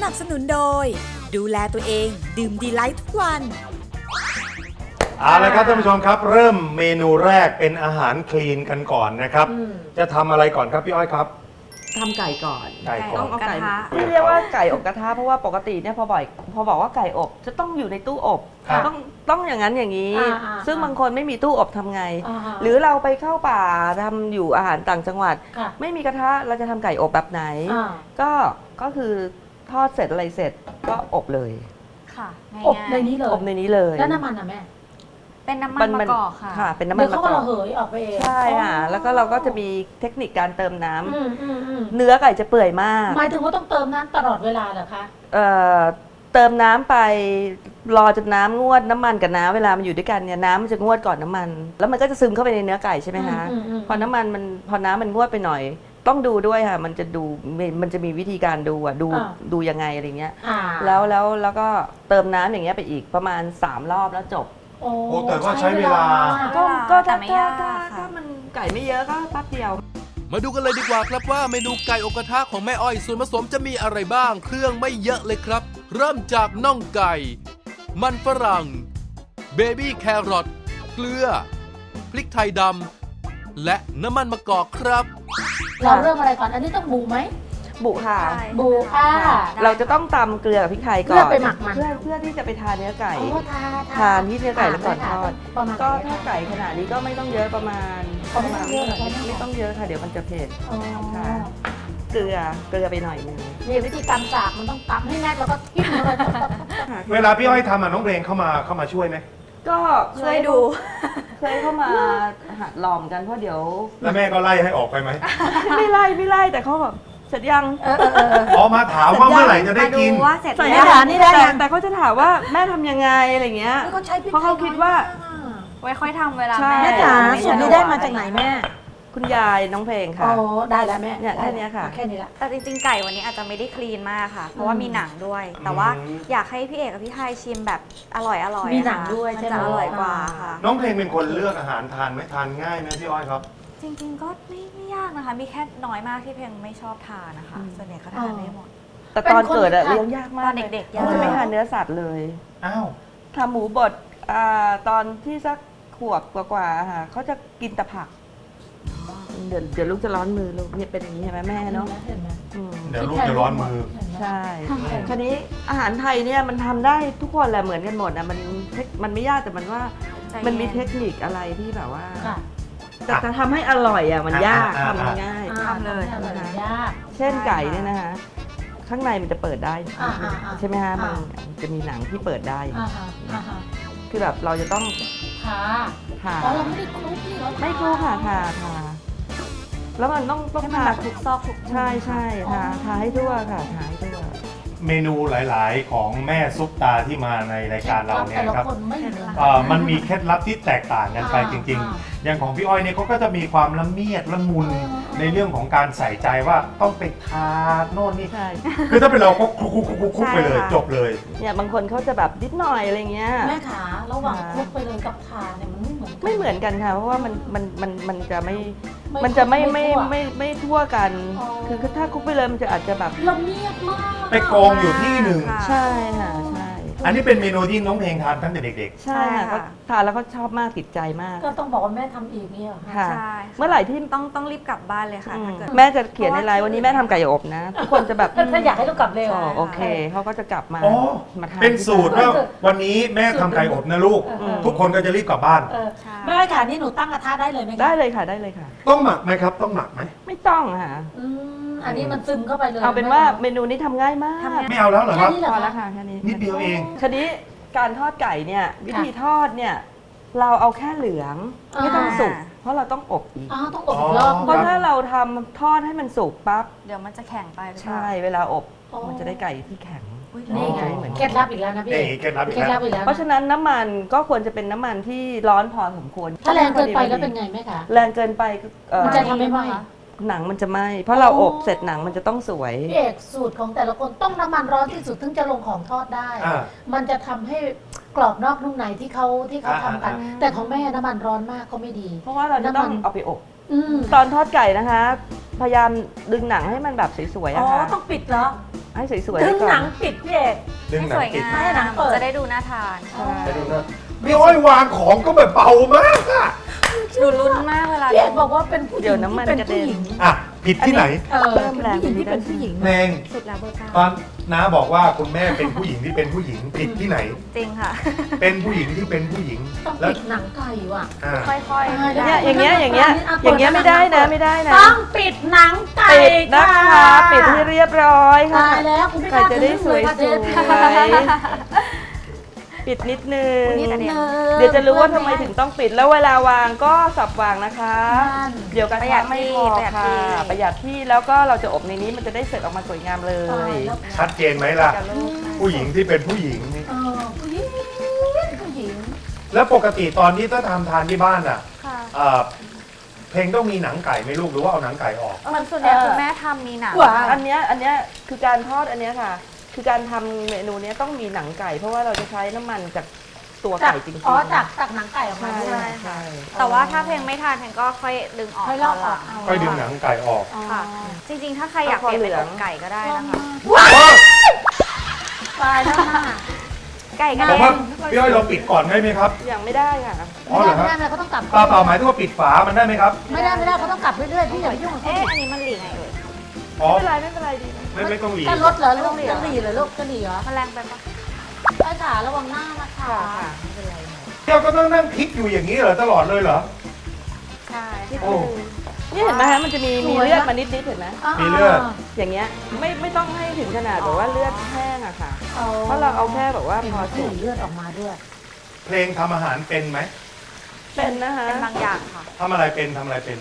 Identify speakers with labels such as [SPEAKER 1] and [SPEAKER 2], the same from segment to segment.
[SPEAKER 1] นับสนุนโดยดูแลตัวเองดื่มดีไลท์ทุกวัน
[SPEAKER 2] เอาละครับท่านผู้ชมครับเริ่มเมนูแรกเป็นอาหารคลีนกันก่อนนะครับจะทำอะไรก่อนครับพี่อ้อยครับ
[SPEAKER 3] ทำไก่ก่อน
[SPEAKER 2] ไก่ก่อน
[SPEAKER 3] ต้องเอาไก่ไม่เรียกว่าไก่อบกระทะเพราะว่าปกติเนี่ยพอบอกว่าไก่อบจะต้องอยู่ในตู้อบต้องอย่างนั้นอย่างนี้ ซึ่งบางคนไม่มีตู้อบทำไง หรือเราไปเข้าป่าทำอยู่อาหารต่างจังหวัดไม่มีกระทะเราจะทำไก่อบแบบไหนก็คือทอดเสร็จอะไรเสร็จก็อบเลย
[SPEAKER 4] ค่ะ
[SPEAKER 5] อบในนี้เลย
[SPEAKER 3] อบในนี้เลย
[SPEAKER 5] แล้วน้ำมันอ่ะแม่
[SPEAKER 4] เป็นน้ำมันมะกอกค่ะ
[SPEAKER 3] เป็นน้ำมันมะกอก
[SPEAKER 5] เดี๋ยวเขาก็ระเหยออกไปเอง
[SPEAKER 3] ใช่ค่ะแล้วก็เราก็จะมีเทคนิคการเติมน้ำเนื้อไก่จะเปื่อยมาก
[SPEAKER 5] หมายถึงว่าต้องเติมน้ำตลอดเวลาเหรอคะ
[SPEAKER 3] เติมน้ำไปรอจนน้ำงวดน้ำมันกับน้ำเวลามันอยู่ด้วยกันเนี่ยน้ำมันจะงวดก่อนน้ำมันแล้วมันก็จะซึมเข้าไปในเนื้อไก่ใช่ไหมคะพอน้ำมันงวดไปหน่อยต้องดูด้วยค่ะมันจะมีวิธีการดูยังไงอะไรเงี้ยแล้วก็เติมน้ำอย่างเงี้ยไปอีกประมาณ3 รอบแล้วจบ
[SPEAKER 2] โอ้แต่ว่าใช้เวลา
[SPEAKER 3] ก็ถ้ามันไก่ไม่เยอะก็แป๊บเดียว
[SPEAKER 6] มาดูกันเลยดีกว่าครับว่าเมนูไก่อกกระทะของแม่อ้อยส่วนผสมจะมีอะไรบ้างเครื่องไม่เยอะเลยครับเริ่มจากน่องไก่มันฝรั่งเบบี้แครอทเกลือพริกไทยดำและน้ำมันมะกอกครับ
[SPEAKER 5] เราเริ่มอะไรก่อนอันนี้ต้องบูไหม
[SPEAKER 3] บุค่ะ
[SPEAKER 5] บู
[SPEAKER 3] เราจะต้องตำเกลือกับพริกไทยก่อน
[SPEAKER 5] เพื่อไปหมักมัน
[SPEAKER 3] เพื่อที่จะไปทานเนื้อไก่
[SPEAKER 5] ทาน
[SPEAKER 3] ที่เนื้อไก่แล้วก่อนทอดก็ถ้าไก่ขนาดนี้ก็ไม่ต้องเยอะประมาณไม่ต้องเยอะค่ะเดี๋ยวมันจะเผ็ดค่ะเกลือไปหน่อยนึง
[SPEAKER 5] นี่วิธีตำจากมันต้องตำให้แน่นแล้วก็ทิ้งเลย
[SPEAKER 2] เวลาพี่อ้อยทำน้องเพลงเข้ามาช่วยไหม
[SPEAKER 3] ก็ช่วยดูเคยเข้ามาหัดลองกันเพราะเดี๋ยว
[SPEAKER 2] แล้วแม่ก็ไล่ให้ออกไปไหม
[SPEAKER 3] ไม่ไล่แต่เขาแบบเสร็จยัง
[SPEAKER 2] มาถามว่าเมื่อไหร่จะได้กิน
[SPEAKER 4] ว่าเสร็จ
[SPEAKER 3] นี่ได้แต่เขาจะถามว่าแม่ทำยังไงอะไรเงี้ยเพราะเขาคิดว่า
[SPEAKER 4] ไว้ค่อยทำเวลา
[SPEAKER 5] แม่จ๋าสูตรนี้ได้มาจากไหนแม่
[SPEAKER 3] คุณยายน้องเพลงค่ะ
[SPEAKER 5] ได้แล้วแม่
[SPEAKER 3] เนี่ยแค่นี้ค่ะ
[SPEAKER 5] แค่นี้ละ
[SPEAKER 4] แต่จริงๆไก่วันนี้อาจจะไม่ได้คลีนมากค่ะเพราะว่ามีหนังด้วยแต่ว่าอยากให้พี่เอกกับพี่ไทยชิมแบบอร่อย
[SPEAKER 5] มีหนังด้วย
[SPEAKER 4] มันจะอร่อยกว่าค่ะ
[SPEAKER 2] น้องเพลงเป็นคนเลือกอาหารทานไหมทานง่ายไหมพี่อ้อยครับ
[SPEAKER 4] จริงๆก็ไม่ยากนะคะมีแค่น้อยมากที่เพลงไม่ชอบทานนะคะส่วนใหญ่เขาทานได้หมด
[SPEAKER 3] แต่ตอนเกิดเลี้ยงยากมาก
[SPEAKER 4] ตอนเด็กๆ
[SPEAKER 3] จะไม่ทานเนื้อสัตว์เลยทำหมูบดตอนที่สักขวบกว่าๆค่ะเขาจะกินแต่ผักเดี๋ยวลูกจะร้อนมือลูกเนี่ยเป็นอย่างนี้ใช่ไหมแม่เนาะ
[SPEAKER 2] เดี๋ยวลูกจะร้อนมือ
[SPEAKER 3] ใช่คราวนี้อาหารไทยเนี่ยมันทำได้ทุกคนแหละเหมือนกันหมดนะมันไม่ยากแต่มันมีเทคนิคอะไรที่แบบว่าแต่จะทำให้อร่อยมันยากทำง่าย
[SPEAKER 4] ทำเลย
[SPEAKER 5] ยาก
[SPEAKER 3] เช่นไก่เนี่ยนะคะข้างในมันจะเปิดได้ใช่ไหมคะมันจะมีหนังที่เปิดได้คือแบบเราจะต้อง
[SPEAKER 5] ผ่าเราไม่ได้คลุกนี่
[SPEAKER 3] ไม่คลุกค่ะแล้วมันต้อง
[SPEAKER 4] ทาทุกซอกทุก
[SPEAKER 3] ใช่ทาให้ทั่วค่ะทาให้ทั่ว
[SPEAKER 2] เมนูหลายๆของแม่ซุปตาที่มาในรายการเราเนี่ยครับมันมีเคล็ดลับที่แตกต่างกันไปจริงๆอย่างของพี่อ้อยเนี่ยเขาก็จะมีความละเมียดละมุนในเรื่องของการใส่ใจว่าต้องไปทาโน่นนี่คือถ้าเป็นเราก็คลุกไปเลยจบเลย
[SPEAKER 3] เนี่ยบางคนเขาจะแบบนิดหน่อยอะไรเงี้ย
[SPEAKER 5] แม่ขาระหว่างคลุกไปเลยกับทาเนี่ยมัน
[SPEAKER 3] ไม่เหมือนกันค่ะเพราะว่ามันจะไม่ทั่วกันคือถ้าคลุกไปเลยมันจะอาจจะแบบ
[SPEAKER 5] ละเมียดมาก
[SPEAKER 2] ไปกองอยู่ที่หนึ่ง
[SPEAKER 3] ใช่ค่ะใช่
[SPEAKER 2] อันนี้เป็นเมนูที่น้องเพลงทานตั้งแต่เด็ก
[SPEAKER 3] ๆใช่ค่ะทานแล้วก็ชอบมากติดใจมาก
[SPEAKER 5] ก็ต้องบอกว่าแม่ทำเองเนี่ย
[SPEAKER 3] ค่ะเมื่อไหร่ที่
[SPEAKER 4] ต้องรีบกลับบ้านเลยค่ะ
[SPEAKER 3] แม่จะเขียนในไลน์วันนี้แม่ทำไก่อบนะทุกคนจะแบบ
[SPEAKER 5] ถ้าอยากให้ลูกกลับเร็ว
[SPEAKER 3] โอเคเขาก็จะกลับมา
[SPEAKER 2] ทานเป็นสูตรว่าวันนี้แม่ทำไก่อบนะลูกทุกคนก็จะรีบกลับบ้าน
[SPEAKER 5] แม่ค่ะนี่หนูตั้งกระทะได้เลยไหม
[SPEAKER 3] ได้เลยค่ะ
[SPEAKER 2] ต้องหมักไหมครับต้องหมักไหม
[SPEAKER 3] ไม่ต้องค่ะ
[SPEAKER 5] อันนี้มันซึมเข้าไปเลย
[SPEAKER 3] เอาเป็นว่าเมนูนี้ทำง่ายมาก
[SPEAKER 2] ไม่เอาแล้วเหรอครับ
[SPEAKER 3] พอแล้วค่ะแค่นี้
[SPEAKER 2] นิดเดียวเอง
[SPEAKER 3] ทีนี้การทอดไก่เนี่ยวิธีทอดเนี่ยเราเอาแค่เหลืองไม่ต้องสุกเพราะเราต้องอบอีก
[SPEAKER 5] ต้องอบรอบ
[SPEAKER 3] เพราะถ้าเราทำทอดให้มันสุกปั๊บ
[SPEAKER 4] เดี๋ยวมันจะแข็งไป
[SPEAKER 3] ใช่เวลาอบมันจะได้ไก่ที่แข็ง
[SPEAKER 5] นี่ไงเคล็ดลับอีกแล้วนะพี่
[SPEAKER 2] เคล็ดลับอีกแล้ว
[SPEAKER 3] เพราะฉะนั้นน้ำมันก็ควรจะเป็นน้ำมันที่ร้อนพอสมควร
[SPEAKER 5] ถ้าแรงเกินไปแล้วเป็นไงแม่คะ
[SPEAKER 3] แรงเกินไป
[SPEAKER 5] มันจะทำให้ไหม
[SPEAKER 3] หนังมันจะไหม้เพราะเราอบเสร็จหนังมันจะต้องสวย
[SPEAKER 5] พี่เอกสูตรของแต่ละคนต้องน้ำมันร้อนที่สุดถึงจะลงของทอดได้มันจะทำให้กรอบนอกนุ่มในที่เขาทำกันแต่ของแม่น้ำมันร้อนมากก็ไม่ดี
[SPEAKER 3] เพราะว่าเราจะต้องเอาไปอบตอนทอดไก่นะคะพยายามดึงหนังให้มันแบบสวยๆอะค่ะ
[SPEAKER 5] ต้องปิดเหรอ
[SPEAKER 3] ให้สวยๆ
[SPEAKER 5] ดึ
[SPEAKER 3] ไว้
[SPEAKER 5] ง
[SPEAKER 3] ก่อ
[SPEAKER 5] หนั
[SPEAKER 3] น
[SPEAKER 5] งปิดพี่เอก
[SPEAKER 2] ดึงหนั
[SPEAKER 4] ส
[SPEAKER 2] ง
[SPEAKER 4] วย
[SPEAKER 2] ปิด
[SPEAKER 4] งา
[SPEAKER 5] ไม่ให้หนั
[SPEAKER 4] ม
[SPEAKER 5] งเปิด
[SPEAKER 4] จะได้ดูน่าทาน
[SPEAKER 2] ไปดูนะพี่อ้อยวางของก็แบบเบามากอะ
[SPEAKER 4] ดูลุ้นมากเวลา
[SPEAKER 5] พี่เอกบอกว่าเป็นผู้หญิง
[SPEAKER 3] เดี๋ยวน้ำมัน
[SPEAKER 5] ที่
[SPEAKER 3] กระ
[SPEAKER 5] เป็น
[SPEAKER 3] เด็น
[SPEAKER 5] ผู้หญิง
[SPEAKER 2] อ่ะผิดที่ไหน
[SPEAKER 3] เพิ่มแรง
[SPEAKER 5] เป็นผู้หญิงที่เป็นผู้หญิง
[SPEAKER 2] แนง
[SPEAKER 4] สุดแล้วเบอร์เก้า
[SPEAKER 2] ตอนน้าบอกว่าคุณแม่เป็นผู้หญิงที่เป็นผู้หญิงผิดที่ไหน
[SPEAKER 4] จริงค่ะ
[SPEAKER 2] เป็นผู้หญิงที่เป็นผู้หญิง
[SPEAKER 5] ต้อง
[SPEAKER 2] แล้ว
[SPEAKER 5] ปิดหนังไก่ว่ะ
[SPEAKER 2] อ่า
[SPEAKER 4] ค่อย
[SPEAKER 5] ตายแล้ว
[SPEAKER 3] เนี่ยอย่างเงี้ยอย่างเงี้ยอย่างเงี้ยไม่ได้นะไม่ได้นะ
[SPEAKER 5] ต้องปิดหนังไก่
[SPEAKER 3] ปิดนะคะปิดให้เรียบร้อยค่ะ
[SPEAKER 5] ตายแล้วคุณไม่ก
[SPEAKER 3] ไก่
[SPEAKER 5] ล้า
[SPEAKER 3] จะได้สวย
[SPEAKER 5] ค่ะเจ๊
[SPEAKER 3] ๆปิดนิดนึง
[SPEAKER 5] นิดนึง
[SPEAKER 3] เดี๋ยวจะรู้ว่าทำไมถึงต้องปิดแล้วเวลาวางก็สับวางนะคะ
[SPEAKER 5] นั่น
[SPEAKER 3] เดี๋ยวกระ
[SPEAKER 4] ประหยั
[SPEAKER 3] ทะ
[SPEAKER 4] ด
[SPEAKER 3] ไม่
[SPEAKER 4] ที่
[SPEAKER 3] พอ
[SPEAKER 4] ประหยัด
[SPEAKER 3] ค่ะ
[SPEAKER 4] ที่
[SPEAKER 3] ประหยัดที่แล้วก็เราจะอบในนี้มันจะได้เสร็จออกมาสวยงามเล
[SPEAKER 5] ตาย
[SPEAKER 3] ย
[SPEAKER 5] แล้ว
[SPEAKER 2] ชัดเจนไหมล่ะ
[SPEAKER 3] กับลูก
[SPEAKER 2] ผู้หญิงที่เป็นผู้หญิง
[SPEAKER 5] ผู้หญิงผู้หญิง
[SPEAKER 2] แล้วปกติตอนที่ถ้าทำทานที่บ้านอ่ะ
[SPEAKER 4] ค่ะ
[SPEAKER 2] เอ่อเพลงต้องมีหนังไก่ไหมลูกหรือว่าเอาหนังไก่ออก
[SPEAKER 4] เหมือนส่วนใหญ่คุณแม่ทำมีหนัง
[SPEAKER 5] ว้า
[SPEAKER 3] อันเนี้ยคือการทอดอันเนี้ยค่ะ คือการทำเมนูเนี้ยต้องมีหนังไก่ เพราะว่าเราจะใช้น้ำมันจากตัวไก่จริงๆ
[SPEAKER 5] อ๋อจากหนังไก่ออกมา
[SPEAKER 3] ใช่
[SPEAKER 5] ด้วย
[SPEAKER 3] ใช่
[SPEAKER 4] แต่ว่าถ้าเพลงไม่ทานเพลงก็ค่อยดึงออก
[SPEAKER 5] ค่อยลอกออก
[SPEAKER 4] ตนหลัง
[SPEAKER 2] ค่อยดึงหนังไก่ออก
[SPEAKER 4] ค่ะ จริงๆ ถ้าใครอยากเปลี่ยนเป็นอกไก่ก็ได้นะคะ
[SPEAKER 5] ตายแล้วค่ะ
[SPEAKER 4] ไก่ก็
[SPEAKER 2] ผม
[SPEAKER 4] ได้
[SPEAKER 2] ว่าพี่อ้อยเราปิดก่อนได้ไหมครับ
[SPEAKER 3] ยังไม่ได้ค่ะ
[SPEAKER 2] อ๋อเหรอครับ
[SPEAKER 5] ไม่ได้เขาต้องกลับ
[SPEAKER 2] เปล่าหมายถึงว่าปิดฝามันได้ไหมครับ
[SPEAKER 5] ไม่ได้เขาต้องกลับเรื่อยๆพี่อย่าไปยุ่งกับเขา
[SPEAKER 4] เอ๊ะ อันนี้มันหลีไงเอ่ย
[SPEAKER 2] อ๋อ
[SPEAKER 3] ไม่เป็นไรดีนะ
[SPEAKER 2] ไม่ต้องหลี
[SPEAKER 5] จะลดเหรอลูกจะหลีเหรอลูกจะหลีเหรอ
[SPEAKER 4] มันแรงไปปะ
[SPEAKER 5] ไอ้ขาระวังหน้านะคะ
[SPEAKER 3] ค่ะ
[SPEAKER 2] เที่ยวก็ต้องนั่งพลิกอยู่อย่างนี้เหรอตลอดเลยเหรอ
[SPEAKER 4] ใช่
[SPEAKER 2] โอ้
[SPEAKER 3] นี่เห็นไหมฮะมันจะมีเลือดมานิดๆเห็นไหม
[SPEAKER 2] มีเลือด
[SPEAKER 3] อย่างเงี้ยไม่ต้องให้ถึงขนาดแบบว่าเลือดแห้งอะค่ะ เพราะเราเอาแค่แบบว่าพอ
[SPEAKER 5] สี
[SPEAKER 3] สุก
[SPEAKER 5] เลือดออกมาด้วย
[SPEAKER 2] เพลงทำอาหารเป็นไหม
[SPEAKER 3] เป็นนะคะ
[SPEAKER 4] เป็นบางอย่างค่ะ
[SPEAKER 2] ทำอะไรเป็นทำอะไรเป็น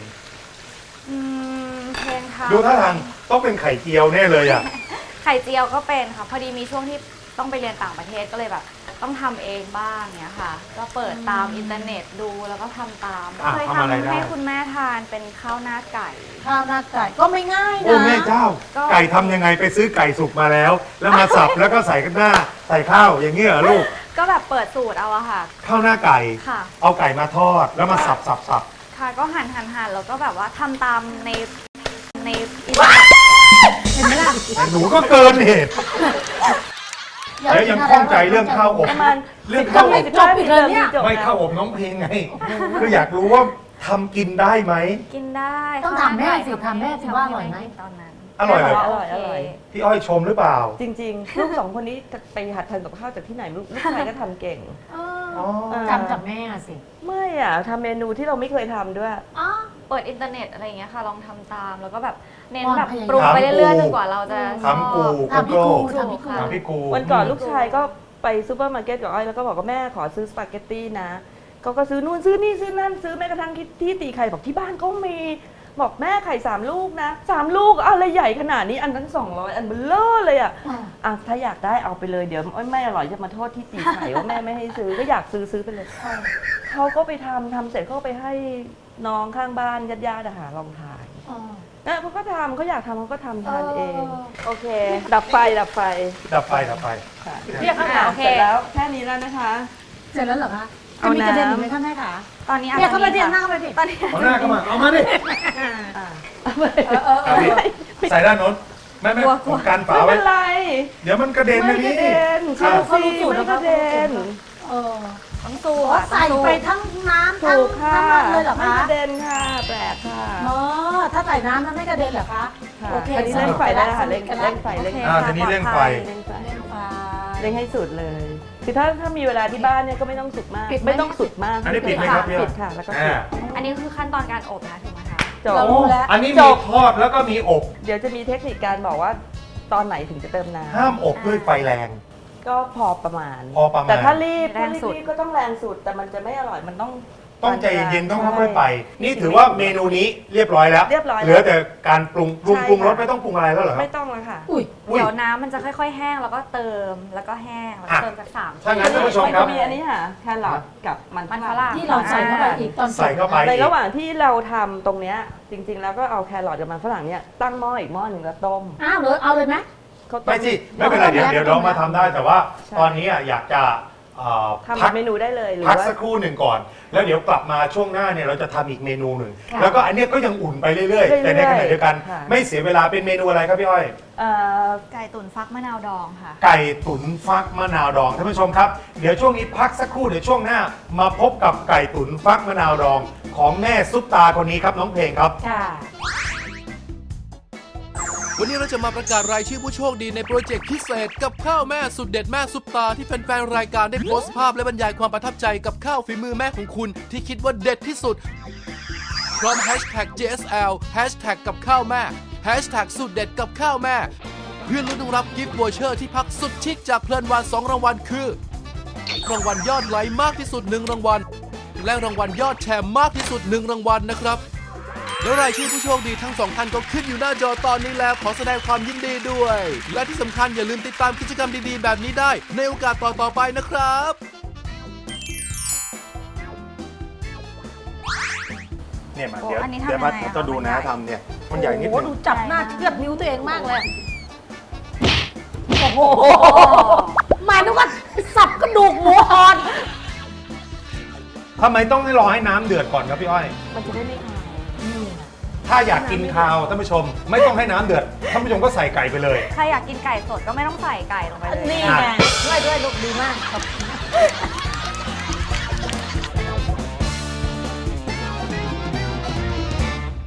[SPEAKER 4] เพลงค่ะ
[SPEAKER 2] ดูท่าทางต้องเป็นไข่เจียวแน่เลยอ่ะ
[SPEAKER 4] ไข่เจียวก็เป็นค่ะ พอดีมีช่วงที่ต้องไปเรียนต่างประเทศก็เลยแบบ ต้องทำเองบ้างเนี้ยค่ะ ก็เปิดตามอินเทอร์เน็ตดูแล้วก็ทำตาม
[SPEAKER 2] อ่ะ
[SPEAKER 4] เคย
[SPEAKER 2] ทำอะไรได้
[SPEAKER 4] ให้คุณแม่ทานเป็นข้าวหน้าไก่
[SPEAKER 5] ข้าวหน้าไก่ก็ไม่ง่าย
[SPEAKER 2] โอ้
[SPEAKER 5] นะ
[SPEAKER 2] แม่เจ้า
[SPEAKER 4] ก็
[SPEAKER 2] ไก่ทำยังไงไปซื้อไก่สุกมาแล้ว แล้วมาสับแล้วก็ใส่กันหน้าใส่ข้าวอย่างนี้เหรอลูก
[SPEAKER 4] ก็แบบเปิดสูตรเอาอะค่ะ
[SPEAKER 2] ข้าวหน้าไก่
[SPEAKER 4] ค่ะ
[SPEAKER 2] เอาไก่มาทอดแล้วมาสับ
[SPEAKER 4] ค่ะก็หั่นแล้วก็แบบว่าทำตามในอิน
[SPEAKER 5] เห็นไหมล่ะ
[SPEAKER 2] แต่หนูก็เกินเหตุแล้วยังข้องใจเรื่องข้าวอบ
[SPEAKER 3] ประมาณ
[SPEAKER 2] เรื่องข้าวอบ
[SPEAKER 5] จบอีกเลยเนี่ย
[SPEAKER 2] ไม่ข้าวอบน้องเพลงไงคืออยากรู้ว่าทำกินได้ไหม
[SPEAKER 4] กินได้
[SPEAKER 5] ต้องถามแม่สิถามแม่สิว่าอร่อยไหม
[SPEAKER 4] ตอนนั้น
[SPEAKER 2] อร่อยเลย
[SPEAKER 3] อร่อยอร่อย
[SPEAKER 2] พี่อ้อยชมหรือเปล่า
[SPEAKER 3] จริงๆ ลูกสองคนนี้ไปหัดทำกับข้าวจากที่ไหนลูกชายก็ทำเก่ง
[SPEAKER 2] อ๋อ
[SPEAKER 5] จำจากแม่สิ
[SPEAKER 3] ไม่อะทำเมนูที่เราไม่เคยทำด้วย
[SPEAKER 5] อ๋อ
[SPEAKER 4] เปิดอินเทอร์เน็ตอะไรอย่างเงี้ยค่ะ ลองทำตามแล้วก็แบบเน้น
[SPEAKER 5] ความ
[SPEAKER 4] แบบ
[SPEAKER 5] พยายาม
[SPEAKER 4] ปรุงไปเรื่อยๆจนกว่าเราจะชอบ
[SPEAKER 2] ทำกู
[SPEAKER 5] ทำพี่กูทำพี่กู
[SPEAKER 2] ถามพี่กู
[SPEAKER 3] วันก่อนลูกชายก็ไปซูเปอร์มาร์เก็ตกับอ้อยแล้วก็บอกว่าแม่ขอซื้อสปาเกตตี้นะก็ซื้อนู่นซื้อนี่ซื้อนั่นซื้อแม้กระทั่งที่ตีไข่บอกที่บ้านก็มีบอกแม่ไข่3 ลูกนะ3 ลูกอะไรใหญ่ขนาดนี้อันนั้น200อันเบลอเลยอะ อ่ะถ้าอยากได้เอาไปเลยเดี๋ยวไม่อร่อยจะมาโทษที่ตีไข่ว่าแม่ไม่ให้ซื้อก็อยากซื้อไปเลยเขาก็ไปทำเสร็จเขาก็ไปให้น้องข้างบ้านญาติๆอะค่ะลองทานนะเขาก็ทำเขาอยากทำเขาก็ทำทานเอง โอเค ดับไฟ
[SPEAKER 2] ดับไฟ
[SPEAKER 3] ค่ะ
[SPEAKER 5] เรียกข้าวห
[SPEAKER 4] อ่ะ
[SPEAKER 5] ลาม
[SPEAKER 4] โอเค
[SPEAKER 3] เสร็จแล้วแค่นี้แล้วนะคะ
[SPEAKER 5] เสร็จแล้วเหรอคะ
[SPEAKER 3] เอา
[SPEAKER 5] จะมีกระเด็นอีก
[SPEAKER 3] น้ำ
[SPEAKER 5] ไหมคะแม่ขา
[SPEAKER 4] ตอนนี้อาจ
[SPEAKER 5] เนี่ย
[SPEAKER 4] จะ
[SPEAKER 5] เข้าไป
[SPEAKER 4] มี
[SPEAKER 5] เดียนหน้า
[SPEAKER 4] ค่ะ
[SPEAKER 5] เข้าไปดิ
[SPEAKER 4] ตอนนี้
[SPEAKER 2] เอาหน้าเข้ามาเอามาดิ
[SPEAKER 3] อ่ะ
[SPEAKER 2] เอาดิใส่ด้านโน้นแม่ผมกันฝา
[SPEAKER 3] ไม่
[SPEAKER 2] ไว้
[SPEAKER 3] เป็นไร
[SPEAKER 2] เดี๋ยวมันกระเด็น
[SPEAKER 3] ไม่
[SPEAKER 2] นะ
[SPEAKER 3] กระ
[SPEAKER 2] พี่
[SPEAKER 3] เด็นเชื่อสิไม่กระเด็น
[SPEAKER 5] เออ
[SPEAKER 4] ต้องสู้
[SPEAKER 5] อ๋อ
[SPEAKER 4] ค่ะ
[SPEAKER 5] ใส่ไปทั้งน้ำทั้ง
[SPEAKER 3] ถูกค่ะ
[SPEAKER 5] น้ำมันเลยเหรอ
[SPEAKER 3] ไม่
[SPEAKER 5] คะ
[SPEAKER 3] กระเด็นค่ะแปลกค่ะ
[SPEAKER 5] อ๋อถ้าใส่น้ำมันไม่กระเด็นเหรอคะ
[SPEAKER 3] ค่ะ
[SPEAKER 5] โอเค
[SPEAKER 3] อันนี้เร่งไฟได้แล้วค่ะเร่งไฟเร่งไฟ
[SPEAKER 2] ทีนี้เร่งไฟ
[SPEAKER 3] เร่งไฟ
[SPEAKER 5] เล่นไฟ
[SPEAKER 3] เร่งให้สุดเลย คือถ้ามีเวลาที่บ้านเนี่ยก็ไม่ต้องสุดมาก
[SPEAKER 5] ปิดไหม
[SPEAKER 3] ไม่ต้องสุดมาก
[SPEAKER 2] อันนี้ปิดไหมครับพี่
[SPEAKER 3] ปิดค่ะ แล้วก็ปิ
[SPEAKER 2] อ่า
[SPEAKER 3] ด
[SPEAKER 4] อันนี้คือขั้นตอนการอบนะถูกไหมคะ
[SPEAKER 3] จบ
[SPEAKER 5] เรารู้แล้ว
[SPEAKER 2] อันนี้
[SPEAKER 3] จ
[SPEAKER 2] มี
[SPEAKER 3] บ
[SPEAKER 2] ทอดแล้วก็มีอบ
[SPEAKER 3] เดี๋ยวจะมีเทคนิคการบอกว่าตอนไหนถึงจะเติมน้
[SPEAKER 2] ห้ามอบด้วยไฟแรง
[SPEAKER 3] ำก็พอประมาณ
[SPEAKER 2] พอประมาณ
[SPEAKER 3] แต่ถ้ารีบ
[SPEAKER 4] แรงสุด
[SPEAKER 3] ก็ต้องแรงสุด แต่มันจะไม่อร่อย มันต้อง
[SPEAKER 2] ต้องใจเย็นๆต้องค่อยๆไป
[SPEAKER 3] ใช่
[SPEAKER 2] นี่ถือว่าเมนูนี้เรียบร้อยแล้ว
[SPEAKER 3] เรียบร้อยแล้ว
[SPEAKER 2] เหลือแต่การปรุง
[SPEAKER 3] ใช่
[SPEAKER 2] ปรุงรส
[SPEAKER 3] ค่ะ
[SPEAKER 2] ไม่ต้องปรุงอะไรแล้วเหรอครับ
[SPEAKER 3] ไม่ต้องแล้วค่ะ
[SPEAKER 5] อุ้ย
[SPEAKER 2] อุ้ย
[SPEAKER 4] เดี๋ยวน้ำมันจะค่อยๆแห้งแล้วก็เติมแล้วก็แห้งแล้วก็
[SPEAKER 2] อ่ะ
[SPEAKER 4] เติมจากสาม
[SPEAKER 2] ถ้างั้นท่านผู้ชม
[SPEAKER 3] มัน
[SPEAKER 2] ครั
[SPEAKER 3] จะ
[SPEAKER 2] บ
[SPEAKER 3] มีอันนี้ค่ะแครอทกับมัน
[SPEAKER 4] มันฝรั่ง
[SPEAKER 5] ที่เราใส่เข้าไปอีกตอน
[SPEAKER 2] ใส่เข้าไป
[SPEAKER 3] ในระหว่างที่เราทำตรงเนี้ยจริง ๆ แล้วก็เอาแครอทกับมันฝรั่งเนี่ยตั้งหม้ออีกหม้อหนึ่งแล้วต้ม
[SPEAKER 5] อ้าวเลยเอาเลยไหม
[SPEAKER 3] เขาต้
[SPEAKER 2] ไม่สิไม่เป็นไรเดี๋ยวเรามาทำได้แต่ว่า
[SPEAKER 3] ใช่
[SPEAKER 2] ตอนนี้อยากจะ
[SPEAKER 3] ทำเมนูได้เลยหรือ
[SPEAKER 2] พัก
[SPEAKER 3] ว่า
[SPEAKER 2] สักครู่หนึ่งก่อน แล้วเดี๋ยวกลับมาช่วงหน้าเนี่ยเราจะทำอีกเมนูหนึ่ง
[SPEAKER 5] ค่ะ
[SPEAKER 2] แล้วก็อันเนี้ยก็ยังอุ่นไปเรื่อยๆ แต่ในขณะเดียวกัน
[SPEAKER 3] ค่ะ
[SPEAKER 2] ไม่เสียเวลาเป็นเมนูอะไรครับพี่อ้อย
[SPEAKER 4] ไก่ตุ๋นฟักมะนาวดองค่ะ
[SPEAKER 2] ไก่ตุ๋นฟักมะนาวดองท่านผู้ชมครับเดี๋ยวช่วงนี้พักสักครู่เดี๋ยวช่วงหน้ามาพบกับไก่ตุ๋นฟักมะนาวดอง ของแม่ซุปตาคนนี้ครับน้องเพลงครับ
[SPEAKER 5] ค่ะ
[SPEAKER 6] วันนี้เราจะมาประกาศรายชื่อผู้โชคดีในโปรเจกต์พิเศษกับข้าวแม่สุดเด็ดแม่ซุปตาที่แฟนๆรายการได้โพสต์ภาพและบรรยายความประทับใจกับข้าวฝีมือแม่ของคุณที่คิดว่าเด็ดที่สุด พร้อม hashtag JSL hashtag กับข้าวแม่ hashtag สุดเด็ดกับข้าวแม่ เพื่อลุ้นรับกิฟต์วอเชอร์ที่พักสุดชิคจากเพลินวาน2รางวัลคือ รางวัลยอดไลค์มากที่สุด1รางวัลและรางวัลยอดแชร์มากที่สุด1รางวัลนะครับ แล้วรายชื่อผู้โชคดีทั้งสองท่านก็ขึ้นอยู่หน้าจอตอนนี้แล้วขอแสดงความยินดีด้วย และที่สำคัญอย่าลืมติดตามกิจกรรมดีๆแบบนี้ได้ในโอกาสต่อๆไปนะครับ
[SPEAKER 2] เนี่ยมา
[SPEAKER 4] โอ้
[SPEAKER 2] เดี๋ยว
[SPEAKER 4] อันนี้ทำ
[SPEAKER 2] เดี๋ยวมา
[SPEAKER 4] ยังไงอะ
[SPEAKER 2] จะดูนะ
[SPEAKER 4] มันใหญ่
[SPEAKER 2] ทำเนี่ยมันใหญ่นิด
[SPEAKER 5] โอ้
[SPEAKER 2] นึ
[SPEAKER 5] โห
[SPEAKER 2] ง
[SPEAKER 5] ดูจับหน้าเชือดนิ้วตัวเองมากเลย โอ้โหหมายถึงว่าสับกระดูกหมูอ่อน
[SPEAKER 2] ทำไมต้องให้รอให้น้ำเดือดก่อนครับพี่อ้อย
[SPEAKER 3] มันจะได้ไม่คาย
[SPEAKER 2] ถ้าอยากกินคาวท่านผู้ชมไม่ต้องให้น้ำเดือดท่านผู้ชมก็ใส่ไก่ไปเลย
[SPEAKER 4] ใครอยากกินไก่สดก็ไม่ต้องใส่ไก่ลงไปเลย
[SPEAKER 5] นี่ไงด้วยลูกดีมากครับ